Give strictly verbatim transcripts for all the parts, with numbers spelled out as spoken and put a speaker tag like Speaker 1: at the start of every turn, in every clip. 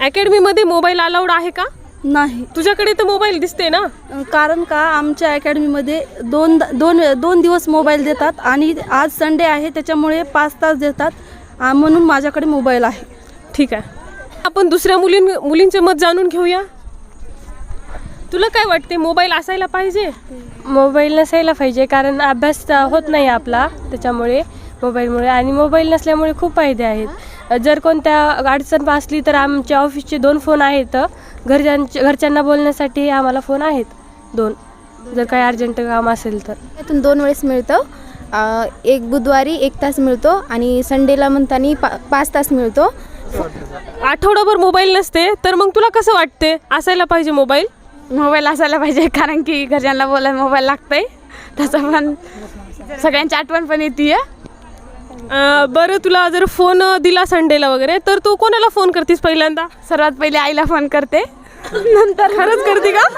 Speaker 1: अकॅडमीमध्ये mobile allowed आहे का?
Speaker 2: नाही.
Speaker 1: तुझ्याकडे तर मोबाईल दिसते ना.
Speaker 2: कारण का आमच्या अकॅडमीमध्ये दोन दोन दोन दिवस मोबाईल देतात आणि आज संडे आहे त्याच्यामुळे पाच तास देतात, आ, म्हणून माझ्याकडे मोबाईल आहे.
Speaker 1: ठीक आहे, आपण दुसऱ्या मुलीं मुलींचे मत जाणून घेऊया. तुला काय वाटते, मोबाईल असायला पाहिजे?
Speaker 3: मोबाईल नसायला पाहिजे, कारण अभ्यास होत नाही आपला त्याच्यामुळे मोबाईलमुळे. आणि मोबाईल नसल्यामुळे खूप फायदे आहेत. जर कोणत्या अडचण असली तर आमच्या ऑफिसचे दोन फोन आहेत, घरच्यांच्या घरच्यांना बोलण्यासाठी आम्हाला फोन आहेत दोन, जर काही अर्जंट काम असेल तर.
Speaker 4: त्यातून दोन वेळेस मिळतं, एक बुधवारी एक तास मिळतो आणि संडेला म्हणताना पा पाच तास मिळतो.
Speaker 1: आठवडाभर मोबाईल नसते तर मग तुला कसं वाटते, असायला पाहिजे मोबाईल?
Speaker 5: मोबाईल असायला पाहिजे, कारण की घरच्यांना बोलायला मोबाईल लागतंय, त्याचं पण सगळ्यांची आठवण पण येते.
Speaker 1: बरं, तुला जर फोन दिला संडेला वगैरे तर तू कोणाला फोन करतेस पहिल्यांदा?
Speaker 5: सर्वात पहिले आईला फोन करते, नंतर
Speaker 1: खरंच करते का?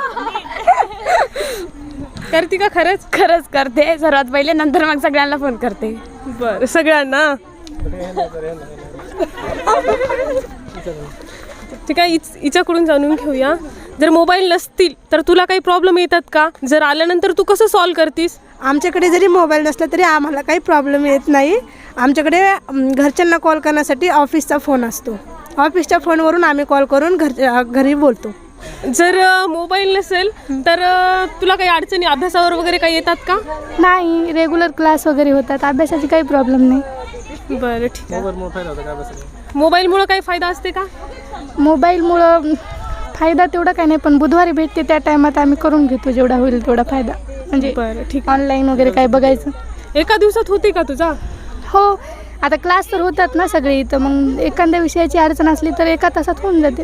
Speaker 1: करते का खरंच?
Speaker 5: खरंच करते सर्वात पहिले, नंतर मग सगळ्यांना फोन करते.
Speaker 1: बरं, सगळ्यांना. ठीक आहे, हिच हिच्याकडून जाणून घेऊया. जर मोबाईल नसतील तर तुला काही प्रॉब्लेम येतात का? जर आल्यानंतर तू कसं सॉल्व करतीस?
Speaker 6: आमच्याकडे जरी मोबाईल नसला तरी आम्हाला काही प्रॉब्लेम येत नाही. आमच्याकडे घरच्यांना कॉल करण्यासाठी ऑफिसचा फोन असतो. ऑफिसच्या फोनवरून आम्ही कॉल करून घर घरी बोलतो.
Speaker 1: जर मोबाईल नसेल तर तुला काही अडचणी अभ्यासावर वगैरे काही येतात का?
Speaker 7: नाही, रेग्युलर क्लास वगैरे होतात, अभ्यासाची काही प्रॉब्लेम नाही.
Speaker 1: बरं, ठीक आहे. मोबाईलमुळं काही फायदा असते का?
Speaker 7: मोबाईलमुळं फायदा तेवढा काही नाही, पण बुधवारी भेटते त्या टायमात आम्ही करून घेतो जेवढा होईल तेवढा फायदा. म्हणजे
Speaker 1: बरं, ठीक.
Speaker 7: ऑनलाईन वगैरे काय बघायचं.
Speaker 1: एका दिवसात होते का तुझा?
Speaker 7: हो, आता क्लास तर होतात ना सगळी, तर मग एखाद्या विषयाची अडचण असली तर एका तासात होऊन जाते.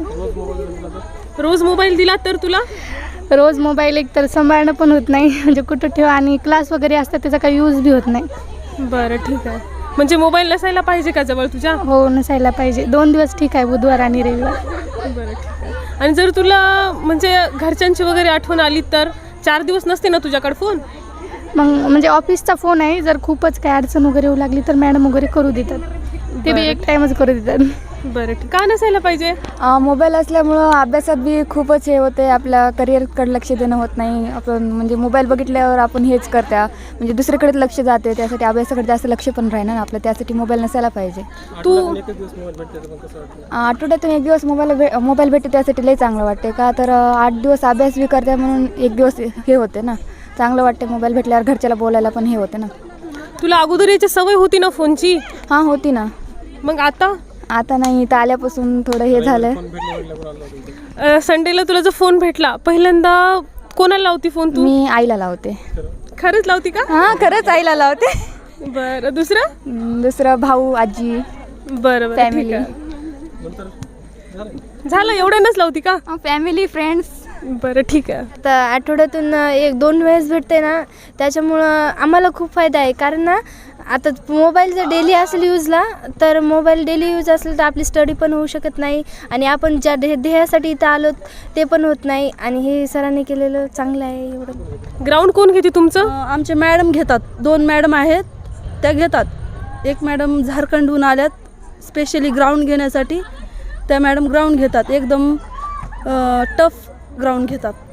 Speaker 1: रोज मोबाईल दिला तर तुला?
Speaker 7: रोज मोबाईल एक तर सांभाळणं पण होत नाही, म्हणजे कुठं ठेवा, आणि क्लास वगैरे असतात त्याचा काही यूज बी होत नाही.
Speaker 1: बरं, ठीक आहे. म्हणजे मोबाईल नसायला पाहिजे का जवळ तुझ्या?
Speaker 7: हो, नसायला पाहिजे. दोन दिवस ठीक आहे, बुधवार आणि रविवार.
Speaker 1: बरं, ठीक आहे. आणि जर तुला म्हणजे घरच्यांची वगैरे आठवण आली तर चार दिवस नसते ना तुझ्याकडे फोन?
Speaker 7: मग म्हणजे ऑफिसचा फोन आहे, जर खूपच काय अडचण वगैरे होऊ लागली तर मॅडम वगैरे करू देतात, ते बी एक टाईमच करू देतात.
Speaker 1: बरं, ठीक. का नसायला पाहिजे?
Speaker 8: मोबाईल असल्यामुळं अभ्यासात बी खूपच हे होते, आपल्या करिअरकडे लक्ष देणं होत नाही. आपण म्हणजे मोबाईल बघितल्यावर आपण हेच करत्या, म्हणजे दुसरीकडे लक्ष जाते, त्यासाठी अभ्यासाकडे जास्त लक्ष पण राहील ना आपलं, त्यासाठी मोबाईल नसायला पाहिजे.
Speaker 1: तू
Speaker 8: आठवड्यातून एक दिवस मोबाईल भे मोबाईल भेटते त्यासाठी लई चांगलं वाटते का, तर आठ दिवस अभ्यास बी करते म्हणून एक दिवस हे होते ना, चांगलं वाटते. मोबाईल भेटल्यावर घरच्याला बोलायला पण हे होते ना.
Speaker 1: तुला अगोदर याची सवय होती ना फोनची?
Speaker 8: हां, होती ना.
Speaker 1: मग आता?
Speaker 8: आता नाही, तर आल्यापासून थोडं हे झालं.
Speaker 1: संडेला तुला जर फोन भेटला, पहिल्यांदा कोणाला लावती फोन तू?
Speaker 8: मी आईला लावते.
Speaker 1: खरंच लावती का?
Speaker 8: हां, खरंच आईला लावते.
Speaker 1: बरं, दुसरं?
Speaker 8: दुसरं भाऊ, आजी,
Speaker 1: बरं बरं,
Speaker 8: फॅमिली.
Speaker 1: झालं, एवढ्यानंच लावती का?
Speaker 4: Family, friends.
Speaker 1: बरं, ठीक आहे.
Speaker 4: तर आठवड्यातून एक दोन वेळेस भेटते ना, त्याच्यामुळं आम्हाला खूप फायदा आहे. कारण ना आता मोबाईल जर डेली असेल यूजला, तर मोबाईल डेली यूज असेल तर आपली स्टडी पण होऊ शकत नाही, आणि आपण ज्या ध्येय ध्येयासाठी इथं आलो ते पण होत नाही. आणि हे सरांनी केलेलं चांगलं आहे. एवढं
Speaker 1: ग्राउंड कोण घेते तुमचं?
Speaker 2: आमचे मॅडम घेतात, दोन मॅडम आहेत त्या घेतात. एक मॅडम झारखंडहून आल्यात स्पेशली ग्राउंड घेण्यासाठी, त्या मॅडम ग्राउंड घेतात, एकदम टफ ग्राउंड घेतात.